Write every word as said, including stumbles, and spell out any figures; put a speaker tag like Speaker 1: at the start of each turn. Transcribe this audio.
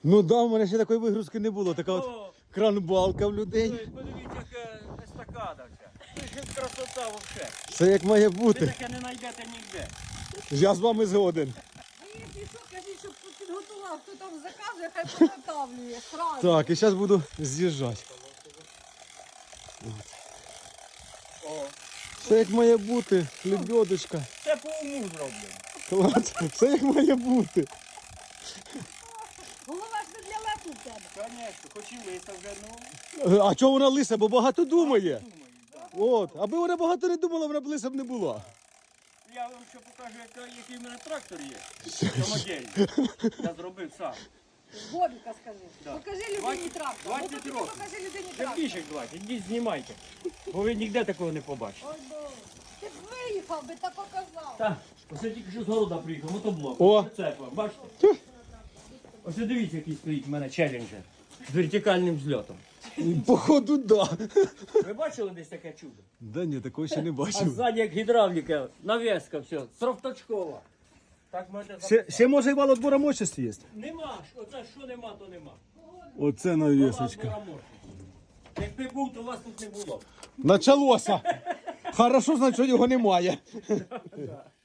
Speaker 1: Ну да, у мене ще такої вигрузки не було. Така от
Speaker 2: О,
Speaker 1: кранбалка в людей.
Speaker 2: подивіться, яка естакада вся. Це ж красота взагалі.
Speaker 1: Все як має
Speaker 2: Ви
Speaker 1: бути.
Speaker 2: таке не знайдете ніде.
Speaker 1: Я з вами згоден.
Speaker 3: А якщо що, кажіть, щоб підготував, хто там заказує, хай підготовлює. Сразу.
Speaker 1: Так, і зараз буду з'їжджати.
Speaker 2: О,
Speaker 1: Все як має бути. Лебедочка.
Speaker 2: це по уму зроблено.
Speaker 1: Клас. Все як має бути.
Speaker 3: Голова ж не для лету в тебе.
Speaker 2: Звісно, хоч і лиса вже, ну,
Speaker 1: А чого вона лиса? Бо багато думає.
Speaker 2: думаю, да.
Speaker 1: От. Аби вона багато не думала, вона б лиса б не була.
Speaker 2: Я вам ще покажу, яка- який в мене трактор є. Самодільний. Я зробив сам.
Speaker 3: Бобіка скажи.
Speaker 2: Да.
Speaker 3: Покажи людині
Speaker 2: двадцять-
Speaker 3: трактор.
Speaker 2: двадцять
Speaker 3: Ну, тоді
Speaker 2: років.
Speaker 3: покажи людині
Speaker 2: Вже
Speaker 3: трактор.
Speaker 2: більше двадцять, ідіть знімайте. Бо ви ніде такого не побачите.
Speaker 3: Ой, Боже. Ти б виїхав би та показав.
Speaker 2: Так, ось я тільки що з города приїхав, мотоблок.
Speaker 1: О.
Speaker 2: Це церква, бачите? Ось дивіться, який стоїть в мене челленджер з вертикальним зльотом.
Speaker 1: Походу, да.
Speaker 2: Ви бачили десь таке чудо?
Speaker 1: Да ні, такого ще не
Speaker 2: А
Speaker 1: бачив.
Speaker 2: ззаді як гідравліка, нав'язка, все, трофточкова. Так можете
Speaker 1: Ще, ще може і вал отбора мощності є.
Speaker 2: Нема, ж, оце що нема, то нема.
Speaker 1: Оце
Speaker 2: Вала
Speaker 1: навісочка.
Speaker 2: була мощна. Якби був, то вас тут не було.
Speaker 1: Началося. Хорошо, значить, що його немає.